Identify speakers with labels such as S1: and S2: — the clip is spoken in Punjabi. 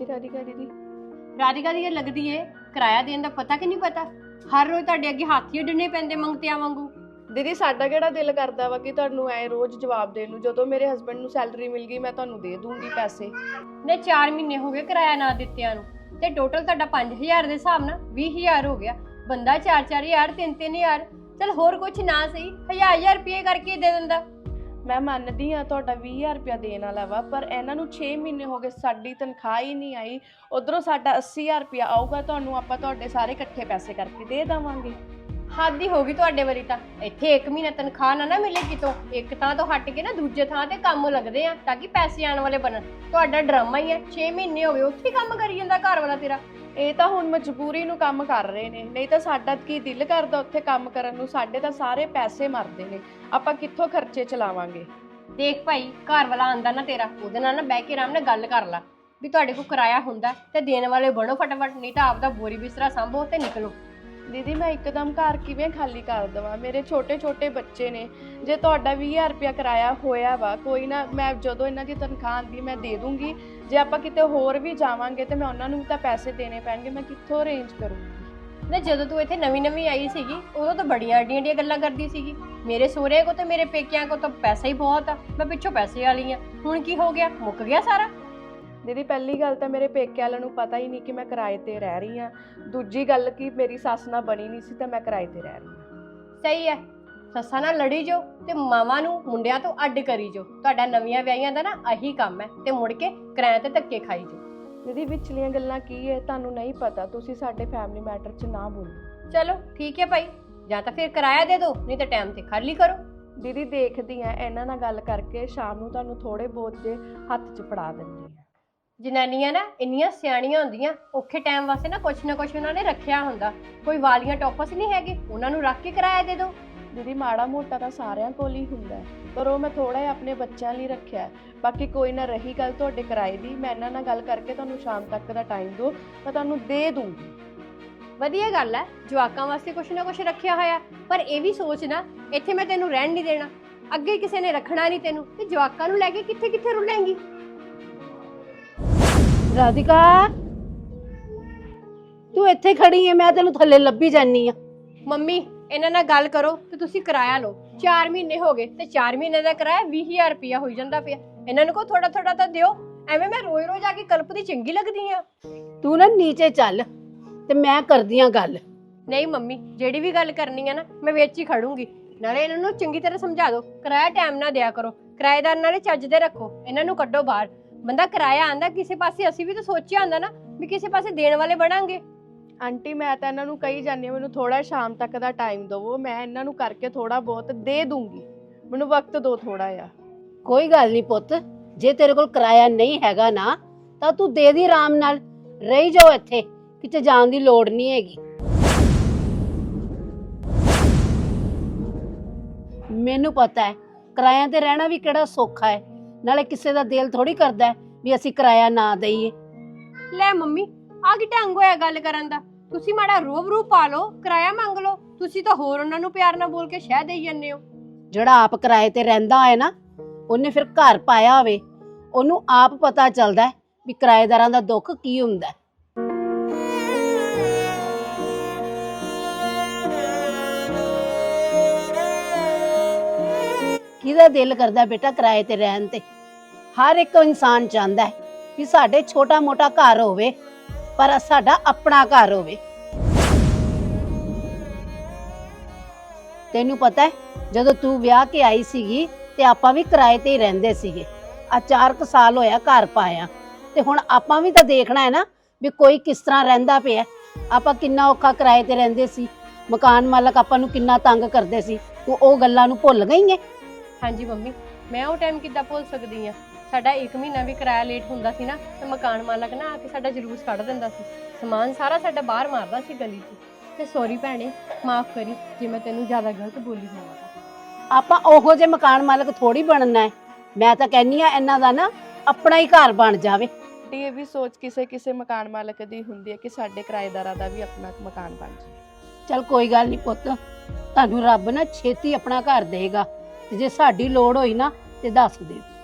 S1: ਰਾਧਿਕਾ ਦੀਦੀ।
S2: ਰਾਧਿਕਾ ਦੀ ਲੱਗਦੀ ਏ ਕਿਰਾਇਆ ਦੇਣ ਦਾ ਪਤਾ ਕਿ ਨਹੀਂ ਪਤਾ। ਹਰ ਰੋਜ਼ ਤੁਹਾਡੇ ਅੱਗੇ ਹੱਥ ਹੀ ਅੱਡਣੇ ਪੈਂਦੇ ਮੰਗਤਿਆਂ ਵਾਂਗੂ।
S1: ਦੀਦੀ ਸਾਡਾ ਕਿਹੜਾ ਦਿਲ ਕਰਦਾ ਵਾ ਕਿ ਤੁਹਾਨੂੰ ਐ ਰੋਜ਼ ਜਵਾਬ ਦੇਣ ਨੂੰ। ਜਦੋਂ ਮੇਰੇ ਹਸਬੰਡ ਨੂੰ ਸੈਲਰੀ ਮਿਲ ਗਈ ਮੈਂ ਤੁਹਾਨੂੰ ਦੇ ਦੂੰਗੀ ਪੈਸੇ।
S2: ਨੇ 4 ਮਹੀਨੇ ਹੋ ਗਏ ਕਿਰਾਇਆ ਨਾ ਦਿੱਤਿਆਂ ਨੂੰ ਤੇ ਟੋਟਲ ਤੁਹਾਡਾ 5000 ਦੇ ਹਿਸਾਬ ਨਾਲ 20000 ਹੋ ਗਿਆ। ਬੰਦਾ 4-4000 3-3000 ਚਲ ਹੋਰ ਕੁਝ ਨਾ ਸਹੀ 1000 ਰੁਪਏ ਕਰਕੇ ਦੇ ਦਿੰਦਾ।
S1: ਮੈਂ ਮੰਨਦੀ ਹਾਂ ਤੁਹਾਡਾ 20000 ਰੁਪਇਆ ਦੇਣ ਵਾਲਾ ਵਾ, ਪਰ ਇਹਨਾਂ ਨੂੰ 6 ਮਹੀਨੇ ਹੋ ਗਏ ਸਾਡੀ ਤਨਖਾਹ ਹੀ ਨਹੀਂ ਆਈ। ਉਧਰੋਂ ਸਾਡਾ 80000 ਰੁਪਇਆ ਆਊਗਾ, ਤੁਹਾਨੂੰ ਆਪਾਂ ਤੁਹਾਡੇ ਸਾਰੇ ਇਕੱਠੇ ਪੈਸੇ ਕਰਕੇ ਦੇ ਦੇਵਾਂਗੇ।
S2: ਹੱਦ ਹੀ ਹੋ ਗਈ ਤੁਹਾਡੇ ਵਾਰੀ ਤਾਂ। ਇੱਥੇ 1 ਮਹੀਨਾ ਤਨਖਾਹ ਨਾ ਮਿਲੇ ਕਿਤੋਂ, ਇੱਕ ਥਾਂ ਤੋਂ ਹਟ ਕੇ ਨਾ ਦੂਜੇ ਥਾਂ ਤੇ ਕੰਮ ਲੱਗਦੇ ਆ ਤਾਂ ਕਿ ਪੈਸੇ ਆਉਣ ਵਾਲੇ ਬਣਨ। ਤੁਹਾਡਾ ਡਰਾਮਾ ਹੀ ਹੈ। 6 ਮਹੀਨੇ ਹੋ ਗਏ ਉੱਥੇ ਕੰਮ ਕਰੀ ਜਾਂਦਾ ਘਰ ਵਾਲਾ ਤੇਰਾ।
S1: ਇਹ ਤਾਂ ਹੁਣ ਮਜਬੂਰੀ ਨੂੰ ਕੰਮ ਕਰ ਰਹੇ ਨੇ, ਨਹੀਂ ਤਾਂ ਸਾਡਾ ਕੀ ਦਿਲ ਕਰਦਾ ਉੱਥੇ ਕੰਮ ਕਰਨ ਨੂੰ। ਸਾਡੇ ਤਾਂ ਸਾਰੇ ਪੈਸੇ ਮਰਦੇ ਨੇ, ਆਪਾਂ ਕਿੱਥੋਂ ਖਰਚੇ ਚਲਾਵਾਂਗੇ।
S2: ਦੇਖ ਭਾਈ, ਘਰ ਵਾਲਾ ਆਂਦਾ ਨਾ ਤੇਰਾ, ਉਹਦੇ ਨਾਲ ਨਾ ਬਹਿ ਕੇ ਆਰਾਮ ਨਾਲ ਗੱਲ ਕਰ ਲਾ ਵੀ ਤੁਹਾਡੇ ਕੋਲ ਕਿਰਾਇਆ ਹੁੰਦਾ ਤੇ ਦੇਣ ਵਾਲੇ ਬਣੋ ਫਟਾਫਟ, ਨਹੀਂ ਤਾਂ ਆਪਦਾ ਬੋਰੀ ਬਿਸਤਰਾ ਸੰਭੋ ਤੇ ਨਿਕਲੋ।
S1: ਦੀਦੀ ਮੈਂ ਇੱਕਦਮ ਘਰ ਕਿਵੇਂ ਖਾਲੀ ਕਰ ਦੇਵਾਂ? ਮੇਰੇ ਛੋਟੇ ਛੋਟੇ ਬੱਚੇ ਨੇ। ਜੇ ਤੁਹਾਡਾ 20000 ਰੁਪਇਆ ਕਿਰਾਇਆ ਹੋਇਆ ਵਾ, ਕੋਈ ਨਾ, ਮੈਂ ਜਦੋਂ ਇਹਨਾਂ ਦੀ ਤਨਖਾਹ ਆਉਂਦੀ ਮੈਂ ਦੇ ਦੂੰਗੀ। ਜੇ ਆਪਾਂ ਕਿਤੇ ਹੋਰ ਵੀ ਜਾਵਾਂਗੇ ਤੇ ਮੈਂ ਉਹਨਾਂ ਨੂੰ ਵੀ ਤਾਂ ਪੈਸੇ ਦੇਣੇ ਪੈਣਗੇ, ਮੈਂ ਕਿੱਥੋਂ ਅਰੇਂਜ ਕਰੂੰਗੀ?
S2: ਨਾ ਜਦੋਂ ਤੂੰ ਇੱਥੇ ਨਵੀਂ ਆਈ ਸੀਗੀ ਉਦੋਂ ਤਾਂ ਬੜੀਆਂ ਅੱਡੀਆਂ ਗੱਲਾਂ ਕਰਦੀ ਸੀਗੀ, ਮੇਰੇ ਸਹੁਰੇ ਕੋ ਤੇ ਮੇਰੇ ਪੇਕਿਆਂ ਕੋ ਤਾਂ ਪੈਸਾ ਹੀ ਬਹੁਤ ਆ, ਮੈਂ ਪਿੱਛੋਂ ਪੈਸੇ ਵਾਲੀ ਆ। ਹੁਣ ਕੀ ਹੋ ਗਿਆ? ਮੁੱਕ ਗਿਆ ਸਾਰਾ?
S1: ਦੀਦੀ ਪਹਿਲੀ ਗੱਲ ਤਾਂ ਮੇਰੇ ਪੇਕੇ ਵਾਲਿਆਂ ਨੂੰ ਪਤਾ ਹੀ ਨਹੀਂ ਕਿ ਮੈਂ ਕਿਰਾਏ ਤੇ ਰਹਿ ਰਹੀ ਹਾਂ। ਦੂਜੀ ਗੱਲ ਕਿ ਮੇਰੀ ਸੱਸ ਨਾਲ ਬਣੀ ਨਹੀਂ ਸੀ ਤਾਂ ਮੈਂ ਕਿਰਾਏ ਤੇ ਰਹਿ ਰਹੀ ਹਾਂ।
S2: ਸਹੀ ਹੈ, ਸੱਸਾਂ ਨਾਲ ਲੜੀ ਜੋ ਤੇ ਮਾਵਾਂ ਨੂੰ ਮੁੰਡਿਆਂ ਤੋਂ ਅੱਡ ਕਰੀ ਜੋ। ਤੁਹਾਡਾ ਨਵੀਆਂ ਵਿਆਹੀਆਂ ਦਾ ਨਾ ਆਹੀ ਕੰਮ ਹੈ ਤੇ ਮੁੜ ਕੇ ਕਿਰਾਏ ਤੇ ਧੱਕੇ ਖਾਈ ਜੋ।
S1: ਦੀਦੀ ਵਿਚਲੀਆਂ ਗੱਲਾਂ ਕੀ ਹੈ ਤੁਹਾਨੂੰ ਨਹੀਂ ਪਤਾ, ਤੁਸੀਂ ਸਾਡੇ ਫੈਮਿਲੀ ਮੈਟਰ 'ਚ ਨਾ ਬੋਲੋ।
S2: ਚਲੋ ਠੀਕ ਹੈ ਭਾਈ, ਜਾਂ ਤਾਂ ਫਿਰ ਕਿਰਾਇਆ ਦੇ ਦਿਓ, ਨਹੀਂ ਤਾਂ ਟਾਈਮ ਤੇ ਖਾਲੀ ਕਰੋ।
S1: ਦੀਦੀ ਦੇਖਦੀ ਆ ਇਹਨਾਂ ਨਾਲ ਗੱਲ ਕਰਕੇ ਸ਼ਾਮ ਨੂੰ ਤੁਹਾਨੂੰ ਥੋੜੇ ਬਹੁਤ ਦੇ ਹੱਥ 'ਚ ਫੜਾ ਦਿੰਦੀ ਆ।
S2: ਜਨਾਨੀਆਂ ਨਾ ਇੰਨੀਆਂ ਸਿਆਣੀਆਂ ਹੁੰਦੀਆਂ, ਔਖੇ ਟਾਈਮ ਵਾਸਤੇ ਨਾ ਕੁਛ ਉਹਨਾਂ ਨੇ ਰੱਖਿਆ ਹੁੰਦਾ। ਕੋਈ ਵਾਲੀਆਂ ਟੋਪਸ ਨਹੀਂ ਹੈਗੇ, ਉਹਨਾਂ ਨੂੰ ਰੱਖ ਕੇ ਕਿਰਾਇਆ ਦੇ ਦਿਓ।
S1: ਦੀਦੀ ਮਾੜਾ ਮੋਟਾ ਤਾਂ ਸਾਰਿਆਂ ਕੋਲ ਹੀ ਹੁੰਦਾ, ਪਰ ਉਹ ਮੈਂ ਥੋੜਾ ਜਿਹਾ ਆਪਣੇ ਬੱਚਿਆਂ ਲਈ ਰੱਖਿਆ। ਬਾਕੀ ਕੋਈ ਨਾ, ਰਹੀ ਗੱਲ ਤੁਹਾਡੇ ਕਿਰਾਏ ਦੀ, ਮੈਂ ਇਹਨਾਂ ਨਾਲ ਗੱਲ ਕਰਕੇ ਤੁਹਾਨੂੰ ਸ਼ਾਮ ਤੱਕ ਦਾ ਟਾਈਮ ਦਿਓ, ਮੈਂ ਤੁਹਾਨੂੰ ਦੇ ਦੂੰਗੀ।
S2: ਵਧੀਆ ਗੱਲ ਹੈ, ਜਵਾਕਾਂ ਵਾਸਤੇ ਕੁਛ ਨਾ ਕੁਛ ਰੱਖਿਆ ਹੋਇਆ। ਪਰ ਇਹ ਵੀ ਸੋਚ ਨਾ, ਇੱਥੇ ਮੈਂ ਤੈਨੂੰ ਰਹਿਣ ਨਹੀਂ ਦੇਣਾ, ਅੱਗੇ ਕਿਸੇ ਨੇ ਰੱਖਣਾ ਨਹੀਂ ਤੈਨੂੰ, ਤੇ ਜਵਾਕਾਂ ਨੂੰ ਲੈ ਕੇ ਕਿੱਥੇ ਕਿੱਥੇ ਰੁਲੇਂਗੀ।
S3: ਰਾਧਿਕਾ ਤੂੰ ਇੱਥੇ ਖੜੀ ਹੈ, ਮੈਂ ਤੈਨੂੰ ਥੱਲੇ ਲੱਭੀ ਜਾਨੀ ਆ।
S2: ਮੰਮੀ ਇਹਨਾਂ ਨਾਲ ਗੱਲ ਕਰੋ ਤੇ ਤੁਸੀਂ ਕਿਰਾਇਆ ਲਓ। 4 ਮਹੀਨੇ ਹੋ ਗਏ ਤੇ 4 ਮਹੀਨੇ ਦਾ ਕਿਰਾਇਆ 20000 ਰੁਪਇਆ ਹੋਈ ਜਾਂਦਾ ਪਿਆ। ਇਹਨਾਂ ਨੂੰ ਕੋ ਥੋੜਾ ਥੋੜਾ ਤਾਂ ਦਿਓ, ਐਵੇਂ ਮੈਂ ਰੋਜ਼ ਰੋਜ਼ ਆ ਕੇ ਕਲਪਦੀ ਚੰਗੀ ਲੱਗਦੀ ਆ।
S3: ਤੂੰ ਨਾ ਨੀਚੇ ਚੱਲ ਤੇ ਮੈਂ ਕਰਦੀ ਆ ਗੱਲ।
S2: ਨਹੀਂ ਮੰਮੀ, ਜਿਹੜੀ ਵੀ ਗੱਲ ਕਰਨੀ ਆ ਨਾ ਮੈਂ ਵਿੱਚ ਹੀ ਖੜੂੰਗੀ। ਨਾਲੇ ਇਹਨਾਂ ਨੂੰ ਚੰਗੀ ਤਰ੍ਹਾਂ ਸਮਝਾ ਦਿਓ, ਕਿਰਾਇਆ ਟਾਈਮ ਨਾਲ ਦਿਆ ਕਰੋ, ਕਿਰਾਏਦਾਰ ਨਾਲੇ ਚੱਜ ਦੇ ਰੱਖੋ, ਇਹਨਾਂ ਨੂੰ ਕੱਢੋ ਬਾਹਰ। ਬੰਦਾ ਕਿਰਾਇਆ ਆਂਦਾ ਕਿਸੇ ਪਾਸੇ, ਅਸੀਂ ਵੀ ਤਾਂ ਸੋਚਿਆ ਹੁੰਦਾ ਨਾ ਵੀ ਕਿਸੇ ਪਾਸੇ ਦੇਣ ਵਾਲੇ ਬਣਾਂਗੇ।
S1: ਆਂਟੀ ਮੈਂ ਤਾਂ ਇਹਨਾਂ ਨੂੰ ਕਹੀ ਜਾਂਦੀ ਹਾਂ ਮੈਨੂੰ ਥੋੜਾ ਸ਼ਾਮ ਤੱਕ ਦਾ ਟਾਈਮ ਦਿਵੋ, ਮੈਂ ਇਹਨਾਂ ਨੂੰ ਕਰਕੇ ਥੋੜਾ ਬਹੁਤ ਦੇ ਦੂੰਗੀ, ਮੈਨੂੰ ਵਕਤ ਦਿਓ ਥੋੜਾ ਜਿਹਾ।
S3: ਕੋਈ ਗੱਲ ਨਹੀਂ ਪੁੱਤ, ਜੇ ਤੇਰੇ ਕੋਲ ਕਿਰਾਇਆ ਨਹੀਂ ਹੈਗਾ ਨਾ ਤਾਂ ਤੂੰ ਦੇ ਦੀ, ਆਰਾਮ ਨਾਲ ਰਹੀ ਜਾਓ ਇੱਥੇ, ਕਿਤੇ ਜਾਣ ਦੀ ਲੋੜ ਨਹੀਂ ਹੈਗੀ। ਮੈਨੂੰ ਪਤਾ ਹੈ ਕਿਰਾਇਆਂ ਤੇ ਰਹਿਣਾ ਵੀ ਕਿਹੜਾ ਸੌਖਾ ਹੈ, ਨਾਲੇ ਕਿਸੇ ਦਾ ਦਿਲ ਥੋੜੀ ਕਰਦਾ ਵੀ ਅਸੀਂ ਕਿਰਾਇਆ ਨਾ ਦਈਏ।
S2: ਲੈ ਮੰਮੀ, ਆ ਕੀ ਢੰਗ ਹੋਇਆ ਗੱਲ ਕਰਨ ਦਾ? ਤੁਸੀਂ ਮਾੜਾ ਰੂਪ ਪਾ ਲਓ, ਕਿਰਾਇਆ ਮੰਗ ਲਓ। ਤੁਸੀਂ ਤਾਂ ਹੋਰ ਉਹਨਾਂ ਨੂੰ ਪਿਆਰ ਨਾਲ ਬੋਲ ਕੇ ਸ਼ਹਿ ਦੇਈ ਜਾਂਦੇ ਹੋ।
S3: ਜਿਹੜਾ ਆਪ ਕਿਰਾਏ ਤੇ ਰਹਿੰਦਾ ਹੋਏ ਨਾ, ਉਹਨੇ ਫਿਰ ਘਰ ਪਾਇਆ ਹੋਵੇ, ਉਹਨੂੰ ਆਪ ਪਤਾ ਚੱਲਦਾ ਵੀ ਕਿਰਾਏਦਾਰਾਂ ਦਾ ਦੁੱਖ ਕੀ ਹੁੰਦਾ। ਕਿਹਦਾ ਦਿਲ ਕਰਦਾ ਬੇਟਾ ਕਿਰਾਏ ਤੇ ਰਹਿਣ ਤੇ? ਹਰ ਇੱਕ ਇਨਸਾਨ ਚਾਹੁੰਦਾ ਹੈ ਕਿ ਸਾਡੇ ਛੋਟਾ ਮੋਟਾ ਘਰ ਹੋਵੇ, ਪਰ ਸਾਡਾ ਆਪਣਾ ਘਰ ਹੋਵੇ। ਤੈਨੂੰ ਪਤਾ ਹੈ ਜਦੋਂ ਤੂੰ ਵਿਆਹ ਕੇ ਆਈ ਸੀਗੀ ਤੇ ਆਪਾਂ ਵੀ ਕਿਰਾਏ ਤੇ ਹੀ ਰਹਿੰਦੇ ਸੀਗੇ। ਆ 4 ਸਾਲ ਹੋਇਆ ਘਰ ਪਾਇਆ, ਤੇ ਹੁਣ ਆਪਾਂ ਵੀ ਤਾਂ ਦੇਖਣਾ ਹੈ ਨਾ ਵੀ ਕੋਈ ਕਿਸ ਤਰ੍ਹਾਂ ਰਹਿੰਦਾ ਪਿਆ। ਆਪਾਂ ਕਿੰਨਾ ਔਖਾ ਕਿਰਾਏ ਤੇ ਰਹਿੰਦੇ ਸੀ, ਮਕਾਨ ਮਾਲਕ ਆਪਾਂ ਨੂੰ ਕਿੰਨਾ ਤੰਗ ਕਰਦੇ ਸੀ, ਤੂੰ ਉਹ ਗੱਲਾਂ ਨੂੰ ਭੁੱਲ ਗਈ ਹੈ?
S2: ਹਾਂਜੀ ਮੰਮੀ, ਮੈਂ ਉਹ ਟਾਈਮ ਕਿੱਦਾਂ ਭੁੱਲ ਸਕਦੀ ਆ? ਸਾਡਾ 1 ਮਹੀਨਾ ਵੀ ਕਿਰਾਇਆ ਲੇਟ ਹੁੰਦਾ ਸੀ ਨਾ ਤੇ ਮਕਾਨ ਮਾਲਕ ਨਾ ਆ ਕੇ ਸਾਡਾ ਜਲੂਸ ਕੱਢ ਦਿੰਦਾ ਸੀ, ਸਮਾਨ ਸਾਰਾ ਸਾਡਾ ਬਾਹਰ ਮਾਰਦਾ ਸੀ ਗਲੀ 'ਚ। ਤੇ ਸੌਰੀ ਭੈਣੇ, ਮਾਫ ਕਰੀ ਜੇ ਮੈਂ ਤੈਨੂੰ ਜ਼ਿਆਦਾ ਗਲਤ ਬੋਲੀ ਹੋਵਾਂ।
S3: ਆਪਾਂ ਉਹੋ ਜਿਹੇ ਮਕਾਨ ਮਾਲਕ ਥੋੜੀ ਬਣਨਾ ਹੈ। ਮੈਂ ਤਾਂ ਕਹਿੰਨੀ ਆ ਇਹਨਾਂ ਦਾ ਨਾ ਆਪਣਾ ਹੀ ਘਰ ਬਣ ਜਾਵੇ।
S1: ਇਹ ਵੀ ਸੋਚ ਕਿਸੇ ਮਕਾਨ ਮਾਲਕ ਦੀ ਹੁੰਦੀ ਹੈ ਕਿ ਸਾਡੇ ਕਿਰਾਏਦਾਰਾਂ ਦਾ ਵੀ ਆਪਣਾ ਮਕਾਨ ਬਣ ਜਾਵੇ।
S3: ਚਲ ਕੋਈ ਗੱਲ ਨਹੀਂ ਪੁੱਤ, ਤੁਹਾਨੂੰ ਰੱਬ ਨਾ ਛੇਤੀ ਆਪਣਾ ਘਰ ਦੇਗਾ, ਤੇ ਜੇ ਸਾਡੀ ਲੋੜ ਹੋਈ ਨਾ ਤੇ ਦੱਸ ਦਿਓ।